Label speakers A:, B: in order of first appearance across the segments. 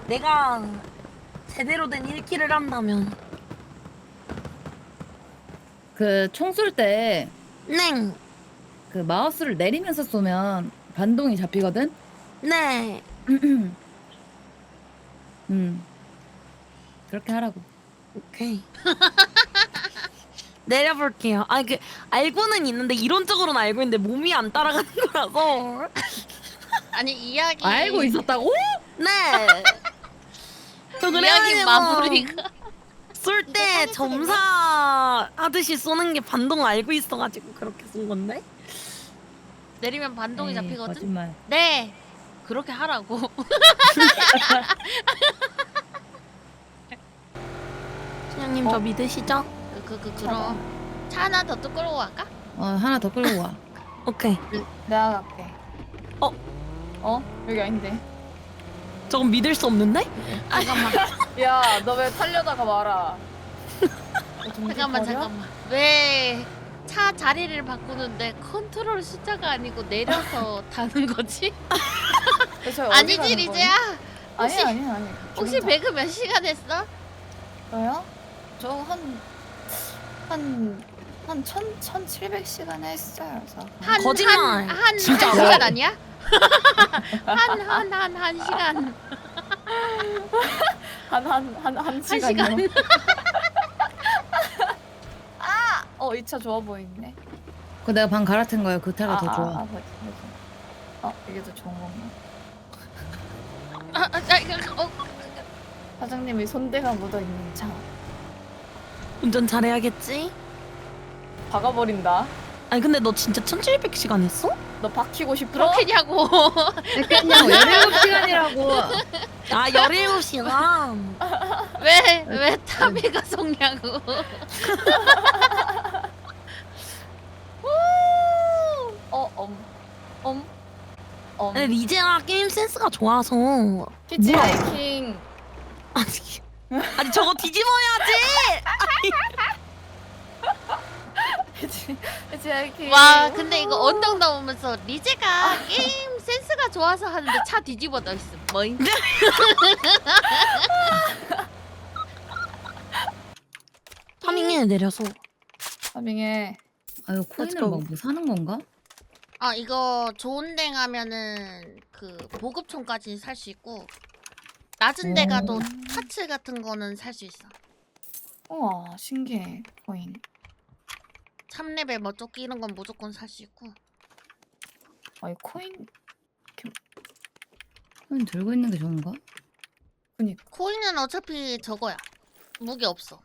A: 내가 제대로 된 1킬을 한다면.
B: 그 총 쏠 때
A: 네.
B: 그 마우스를 내리면서 쏘면 반동이 잡히거든?
A: 네.
B: 그렇게 하라고.
A: 오케이. 내려볼게요. 아, 알고는 있는데 이론적으로는 알고 있는데 몸이 안 따라가는 거라서.
C: 아니 이야기
B: 알고 있었다고?
A: 네. 저
C: 이야기
A: 그래가지고
C: 마무리가
A: 쏠 때 점사 하듯이 쏘는 게 반동 알고 있어가지고 그렇게 쏜 건데.
C: 내리면 반동이
B: 에이,
C: 잡히거든.
B: 거짓말.
C: 네 그렇게 하라고.
A: 신영님 저 믿으시죠?
C: 그럼 차 하나 더 끌고 갈까?
B: 하나 더 끌고 와.
A: 오케이.
D: 내가 갈게.
A: 어?
D: 여기 아닌데.
A: 저건 믿을 수 없는데?
C: 잠깐만
D: 야, 너 왜 타려다가 말아?
C: 잠깐만 왜 차 자리를 바꾸는데 컨트롤 숫자가 아니고 내려서 타는 거지? 아니지 리제야? 혹시-
D: 아니.
C: 혹시 배그 몇 시간 했어?
D: 저요? 저 한 1700시간 했어요. 그래서.
A: 거짓말.
C: 한
A: 진짜.
C: 시간 아니야? 한 시간
D: 한
C: 시간.
D: 시간이요. 이 차 좋아 보이네.
B: 그거 내가 방 갈아탄 거야. 그 차가 더 좋아.
D: 이게 더 좋은 건가?
C: 이거
D: 사장님이 손대가 묻어 있는 차.
A: 운전 잘해야겠지?
D: 박아버린다.
A: 아니 근데 너 진짜 1700시간 했어?
D: 너 박히고 싶어?
C: 그렇겠냐고.
B: 그냥 17시간이라고.
A: 아 17시간.
C: 왜 타비가 속냐고.
A: 아니 리제가 게임 센스가 좋아서.
D: 히치하이킹.
A: 아니 저거 뒤집어야지.
D: 히치하이킹.
C: 와 근데 이거 언덕 넘으면서 리제가 게임 센스가 좋아서 하는데 차 뒤집어 넣었음. 뭐임?
A: 파밍해 내려서.
D: 파밍해.
B: 아유 코인을 뭐 사는 건가?
C: 아 이거 좋은 데 가면은 그 보급총까지 살 수 있고 낮은 데 가도 파츠 같은 거는 살 수 있어.
D: 우와, 신기해. 코인.
C: 3레벨 뭐 조끼 이런 건 무조건 살 수 있고.
D: 이 코인.
B: 코인 들고 있는 게 좋은가?
D: 그니까.
C: 코인은 어차피 저거야. 무기 없어.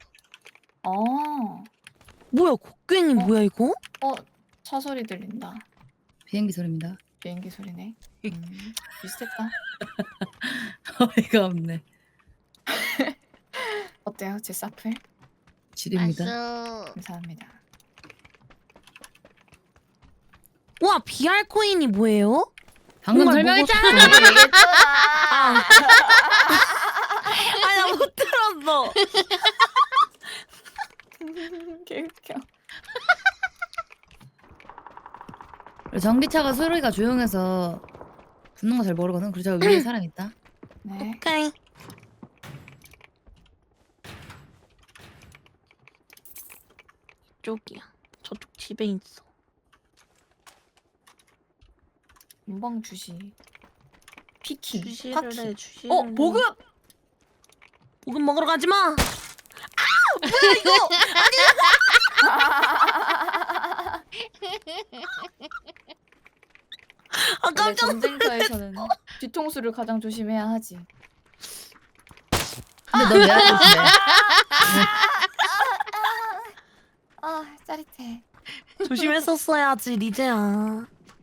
A: 뭐야 곡괭이 뭐야 이거?
D: 차 소리 들린다.
B: 비행기 소리입니다.
D: 비행기 소리네. 비슷했다.
B: 어이가 없네.
D: 어때요, 제 사플?
B: 지립니다.
C: 나이스.
D: 감사합니다.
A: 와 BR 코인이 뭐예요?
B: 방금
A: 정말
B: 설명했잖아.
A: 아. 아니 나 못 들었어.
D: 개웃겨.
B: 전기차가 소리가 조용해서 붙는 거 잘 모르거든. 그래서 저 위에 사람 있다.
D: 네.
A: 오케이. 이쪽이야. 저쪽 집에 있어.
D: 문방 주시. 피키.
A: 주시를
D: 파키.
A: 해 주시를.
D: 보급!
A: 보급 먹으러 가지 마. 아 뭐야 이거? 아
D: 원래
A: 깜짝
D: 전쟁터에서는 뒤통수를 가장 조심해야 하지.
B: 근데 너 왜 하고 있어?
D: 짜릿해.
A: 조심했었어야지 리제야.